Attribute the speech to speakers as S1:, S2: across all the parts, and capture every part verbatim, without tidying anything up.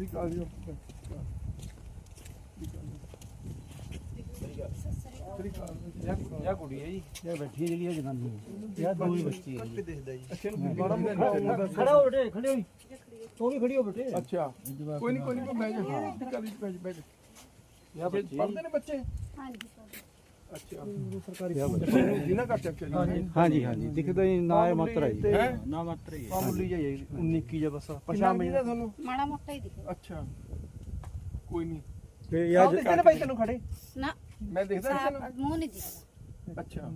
S1: ਠੀਕ ਆ ਜੀ
S2: ਇਹ ਕੁੜੀ ਹੈ ਜੀ ਇਹ ਬੈਠੀ ਜਿਹੜੀ ਹੈ ਜਨਾਨੀ ਇਹ ਦੋ ਹੀ ਬੱਚੇ ਹੈ ਜੀ
S1: ਦਿਖਦਾ ਜੀ ਅੱਛਾ ਬੜਾ ਮੁੱਖਾ
S2: ਖੜਾ ਹੋ ਬੇਟੇ ਖੜੇ ਹੋਈ ਤੂੰ ਵੀ ਖੜੀ ਹੋ ਬੇਟੇ
S1: ਅੱਛਾ ਕੋਈ ਨਹੀਂ ਕੋਈ ਨਹੀਂ ਬਹਿ ਜਾ ਚੱਲ ਬਹਿ ਬਹਿ ਜਾ
S2: ਇਹ ਬੱਚੇ
S1: ਪੜ੍ਹਦੇ ਨੇ ਬੱਚੇ
S3: ਹਾਂਜੀ ਸਰ
S1: ਅੱਛਾ ਸਰਕਾਰੀ ਜਿਨਾ ਕਰ ਚੱਕ
S2: ਹਾਂਜੀ ਹਾਂਜੀ ਦਿਖਦਾ ਹੀ ਨਾ ਇਹ ਮਾਤਰਾ ਹੀ
S1: ਹੈ
S2: ਨਾ ਮਾਤਰਾ ਹੀ
S1: ਮਾਮੂਲੀ ਜਿਹਾ ਹੀ ਉੱਨੀ ਇੱਕੀ ਜਿਹਾ ਬਸ ਪਛਾਣ ਮੈਂ ਤੁਹਾਨੂੰ
S3: ਮਾੜਾ ਮੋਟਾ ਹੀ ਦਿਖਦਾ
S1: ਅੱਛਾ ਕੋਈ ਨਹੀਂ
S2: ਤੇ
S1: ਯਾਰ ਦਿਖਦੇ ਨੇ ਭਾਈ ਤੈਨੂੰ ਖੜੇ
S3: ਨਾ
S1: ਮੈਂ ਦੇਖਦਾ
S3: ਸਾਫ਼
S1: ਤੈਨੂੰ
S3: ਮੂੰਹ ਨਹੀਂ ਦਿਖਦਾ
S1: ਅੱਛਾ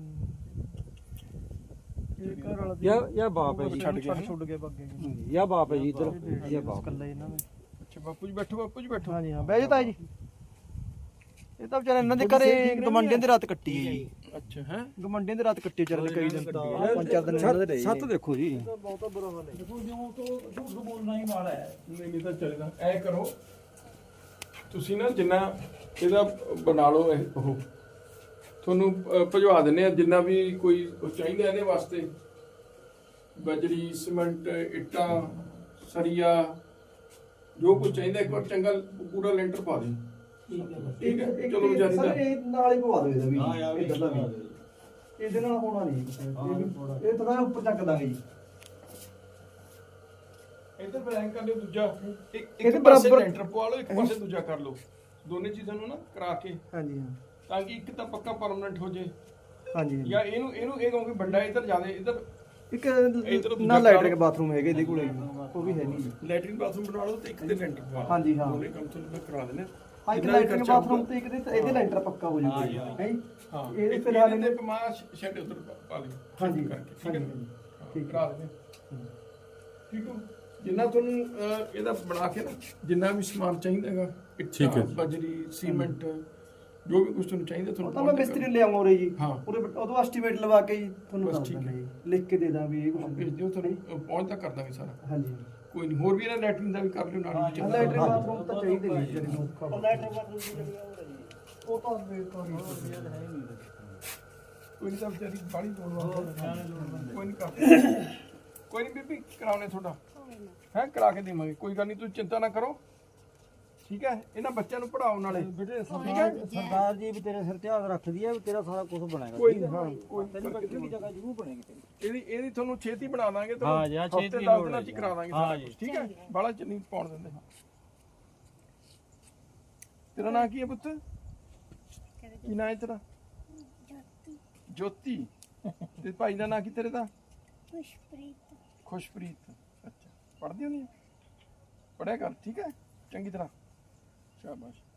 S1: ਇਹ ਘਰ ਵਾਲਾ
S2: ਯਾ ਯਾ ਬਾਪ ਹੈ ਜੀ
S1: ਛੱਡ ਗਿਆ ਛੱਡ ਗਿਆ ਬੱਗੇ
S2: ਯਾ ਬਾਪ ਹੈ ਜੀ ਇਧਰ ਯਾ ਬਾਪ
S1: ਕੱਲਾ ਇਹਨਾਂ ਨੇ ਅੱਛਾ ਬਾਪੂ ਜੀ ਬੈਠੋ ਬਾਪੂ ਜੀ ਬੈਠੋ ਹਾਂਜੀ ਹਾਂ ਬਹਿ ਜਾ ਤਾਏ ਜੀ ਇਹ ਤਾਂ ਵਿਚਾਰੇ ਇਹਨਾਂ ਦੇ ਘਰੇ ਗਮੰਡਿਆਂ ਦੀ ਰਾਤ ਕੱਟੀ ਹੈ ਜੀ ਅੱਛਾ ਹੈ ਗਮੰਡਿਆਂ ਦੀ ਰਾਤ ਕੱਟੀ ਵਿਚਾਰੇ ਕਈ ਦਿਨ ਪੰਜ ਚਾਰ ਦਿਨ ਇਹਨਾਂ ਦੇ ਰਹੇ
S2: ਸੱਤ ਦੇਖੋ ਜੀ
S1: ਬਹੁਤਾ ਬੁਰਾ ਹਾਲ ਹੈ ਦੇਖੋ ਜਿਉਂ ਤੋਂ ਝੂਠ ਬੋਲਣਾ ਹੀ ਮਾੜਾ ਹੈ ਨਹੀਂ ਨਹੀਂ ਤਾਂ ਚੱਲੇਗਾ ਐ ਕਰੋ ਤੁਸੀਂ ਨਾ ਜਿੰਨਾ ਇਹਦਾ ਬਣਾ ਲਓ ਇਹ ਉਹ ਤੁਹਾਨੂੰ ਭਜਵਾ ਦਿੰਨੇ ਆ ਜਿੰਨਾ ਵੀ ਕੋਈ ਚਾਹੀਦਾ ਇਹਦੇ ਵਾਸਤੇ ਬਜਰੀ ਸੀਮੈਂਟ ਇੱਟਾਂ ਸਰੀਆ ਜੋ ਕੁਝ ਚਾਹੀਦਾ ਇੱਕ ਵਾਰ ਚੰਗਾ ਪੂਰਾ ਲੈਂਟਰ ਪਾ ਦੇ ਠੀਕ ਹੈ ਚਲੋ ਵਿਚਾਰੀ ਦਾ
S4: ਇਹ ਨਾਲ ਹੀ ਪਵਾ ਦਿਓ ਇਹਦਾ ਵੀ ਹਾਂ ਯਾਰ ਇਧਰ ਦਾ ਵੀ ਇਹਦੇ ਨਾਲ ਹੋਣਾ ਨਹੀਂ ਇਹ ਥੋੜਾ ਉੱਪਰ ਚੱਕ ਦਾਂਗੇ ਜੀ
S1: ਇੱਧਰ ਬਲੈਂਕ ਕਰ ਲਿਓ ਦੂਜਾ ਇੱਕ
S4: ਇਹਦੇ
S1: ਇੱਕ ਪਾਸੇ
S4: ਬਰਾਬਰ-
S1: ਲੈਂਟਰ ਪਵਾ ਲਓ ਇੱਕ ਪਾਸੇ ਦੂਜਾ ਕਰ ਲਓ ਦੋਨੇ ਚੀਜ਼ਾਂ ਨੂੰ ਨਾ ਕਰਾ ਕੇ
S4: ਹਾਂਜੀ ਹਾਂ
S1: ਤਾਂ ਕਿ ਇੱਕ ਤਾਂ ਪੱਕਾ ਪਰਮਨੈਂਟ ਹੋ ਜੇ
S4: ਹਾਂਜੀ
S1: ਜਾਂ ਇਹਨੂੰ ਇਹਨੂੰ ਇਹ ਕਹੋਗੇ ਵੱਡਾ ਇੱਧਰ ਜ਼ਿਆਦਾ ਇੱਧਰ
S4: ਇੱਕ
S1: ਇੱਧਰ
S4: ਨਾ ਲੈਟਰਿੰਗ ਬਾਥਰੂਮ ਹੈਗੇ ਇਹਦੇ ਕੋਲੇ ਉਹ ਵੀ ਹੈ ਨਹੀਂ
S1: ਲੈਟਰਿੰਗ ਬਾਥਰੂਮ ਬਣਾ ਲਓ ਤੇ ਇੱਕ ਤੇ ਲੈਂਟਰ ਪਵਾ ਲਓ
S4: ਹਾਂਜੀ, ਹਾਂ।
S1: ਦੋਨੇ ਕੰਮ ਤੁਹਾਨੂੰ ਮੈਂ ਕਰਾ ਦਿੰਦਾ
S4: ਹਾਂ ਇੱਕ ਲੈਟਰਿੰਗ ਬਾਥਰੂਮ ਤੇ ਇੱਕ ਦੇ ਇਹਦੇ ਲੈਂਟਰ ਪੱਕਾ ਹੋ ਜਾਊਗਾ ਜੀ ਹੈ ਜੀ
S1: ਹਾਂ
S4: ਇਹਦੇ
S1: ਇਹ
S4: ਫਿਲਹਾਲ
S1: ਫਿਲਹਾਲ
S4: ਇਹਨੇ
S1: ਇਹਦੇ ਪਮਾ ਸ਼ੈਡ ਉੱਧਰ ਪਾ ਲਿਓ
S4: ਹਾਂਜੀ
S1: ਕਰਕੇ ਠੀਕ ਹੈ
S4: ਹਾਂਜੀ
S1: ਠੀਕ ਕਰਾ ਦਿੰਦੇ ਠੀਕ ਹੋ ਜਿੰਨਾ ਤੁਹਾਨੂੰ ਅਹ, ਇਹਦਾ ਬਣਾ ਕੇ ਨਾ ਜਿੰਨਾ ਵੀ ਸਮਾਨ ਚਾਹੀਦਾ ਹੈਗਾ ਠੀਕ ਹੈ ਬਜਰੀ ਸੀਮੈਂਟ ਜੋ ਵੀ ਕੁਝ ਤੁਹਾਨੂੰ ਚਾਹੀਦਾ
S4: ਉਹ
S1: ਤੁਹਾਨੂੰ
S4: ਤਾਂ ਮੈਂ ਮਿਸਤਰੀ ਨੂੰ ਲਿਆਉਂਗਾ ਉਰੇ ਜੀ
S1: ਹਾਂ।
S4: ਉਰੇ ਉਦੋਂ ਐਸਟੀਮੇਟ ਲਵਾ ਕੇ ਜੀ ਤੁਹਾਨੂੰ
S1: ਬਸ
S4: ਦੱਸ
S1: ਠੀਕ
S4: ਦਾਂਗਾ
S1: ਹੈ।
S4: ਜੀ ਲਿਖ ਕੇ ਦੇ ਦਾਂ ਵੀ ਇਹ ਕੁਝ
S1: ਭੇਜ ਦਿਓ ਤੁਹਾਨੂੰ ਪਹੁੰਚ ਤੱਕ ਕਰ ਦਾਂਗੇ ਸਾਰਾ
S4: ਹਾਂਜੀ
S1: ਕੋਈ ਨਹੀਂ ਹੋਰ ਵੀ ਇਹਨਾਂ ਲੈਟਰਿੰਗ ਦਾ ਵੀ ਕਰ ਲਿਓ ਨਾਲ ਵਿੱਚ
S4: ਲੈਟਰਿੰਗ ਬਾਥਰੂਮ ਤਾਂ ਚਾਹੀਦੇ ਨਹੀਂ ਜਿਹੜੇ ਨੂੰ ਲੈਟਰਿੰਗ ਬਾਥਰੂਮ ਦੀ ਉਹ ਤਾਂ ਬੇਕਾਰ ਹੀ
S1: ਕੋਈ ਨਹੀਂ ਤਾਂ ਵਿਚਾਰੀ ਬਾੜੀ ਤੋੜਵਾ ਕੋਈ ਨਹੀਂ ਕਰ ਕੋਈ ਨਹੀਂ ਬੀਬੀ ਕਰਾਉਣੇ ਤੁਹਾਡਾ ਹੈ ਕਰਾ ਕੇ ਦੇਵਾਂਗੇ ਕੋਈ ਗੱਲ ਨਹੀਂ ਤੁਸੀਂ ਚਿੰਤਾ ਨਾ ਕਰੋ ਠੀਕ ਹੈ ਇਹਨਾਂ ਬੱਚਿਆਂ ਨੂੰ ਪੜਾਓ ਨਾਲੇ
S2: ਬੇਟੇ ਸਰਦਾਰ ਜੀ ਵੀ ਤੇਰੇ ਸਿਰ ਤੇ ਹੱਥ ਰੱਖਦੀ ਹੈ ਵੀ ਤੇਰਾ ਸਾਰਾ ਕੁਝ ਬਣੇਗਾ
S1: ਕੋਈ ਨਹੀਂ ਹਾਂ ਕੋਈ
S2: ਤੈਨੂੰ ਬੱਚੇ ਦੀ ਜਗ੍ਹਾ ਜ਼ਰੂਰ ਬਣੇਗੀ ਤੇਰੀ
S1: ਇਹਦੀ ਇਹਦੀ ਤੁਹਾਨੂੰ ਛੇਤੀ ਬਣਾ ਦਾਂਗੇ
S2: ਹਾਂ ਜੀ, ਹਾਂ, ਛੇਤੀ
S1: ਹਫ਼ਤੇ ਦਸ
S2: ਲੋੜ
S1: ਦਿਨਾਂ
S2: ਹੈ
S1: ਚ ਹੀ
S2: ਜੀ।
S1: ਕਰਾ ਦਾਂਗੇ
S2: ਹਾਂ
S1: ਸਾਰਾ
S2: ਜੀ।
S1: ਕੁਛ, ਠੀਕ ਹੈ ਬਾਲਾ ਚ ਨਹੀਂ ਪਾਉਣ ਦਿੰਦੇ ਤੇਰਾ ਨਾਂ ਕੀ ਹੈ ਪੁੱਤ ਕੀ ਨਾਂ ਹੈ ਤੇਰਾ ਜੋਤੀ ਤੇ ਭਾਈ ਦਾ ਨਾਂ ਕੀ ਤੇਰੇ ਦਾ
S3: ਖੁਸ਼ਪ੍ਰੀਤ
S1: ਖੁਸ਼ਪ੍ਰੀਤ ਅੱਛਾ ਪੜ੍ਹਦੀ ਹੁੰਦੀ ਹੈ ਪੜ੍ਹਿਆ ਕਰ ਠੀਕ ਹੈ ਚੰਗੀ ਤਰ੍ਹਾਂ ਸ਼ਾਬਾਸ਼